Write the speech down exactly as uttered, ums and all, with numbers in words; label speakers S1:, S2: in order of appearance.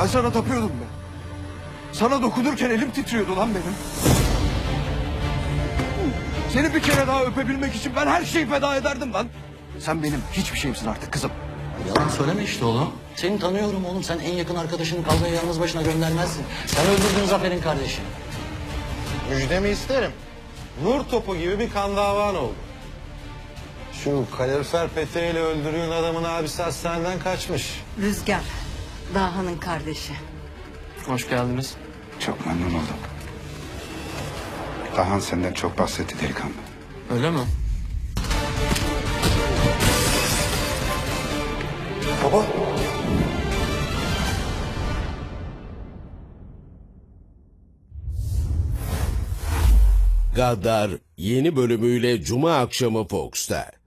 S1: Ben sana tapıyordum be. Sana dokunurken elim titriyordu lan benim. Seni bir kere daha öpebilmek için ben her şeyi feda ederdim lan. Sen benim hiçbir şeyimsin artık kızım.
S2: Yalan söyleme işte oğlum. Seni tanıyorum oğlum. Sen en yakın arkadaşını kavgaya yalnız başına göndermezsin. Sen öldürdün Zafer'in kardeşini.
S3: Müjdemi isterim. Nur topu gibi bir kan davan oldu. Şu kalorifer peteğiyle öldürdüğün adamın abisi hastaneden kaçmış.
S4: Rüzgar, Daha'nın kardeşi.
S2: Hoş geldiniz.
S5: Çok memnun oldum. Dahan senden çok bahsetti delikanlı.
S2: Öyle mi?
S1: Baba.
S6: Gaddar yeni bölümüyle Cuma akşamı Fox'ta.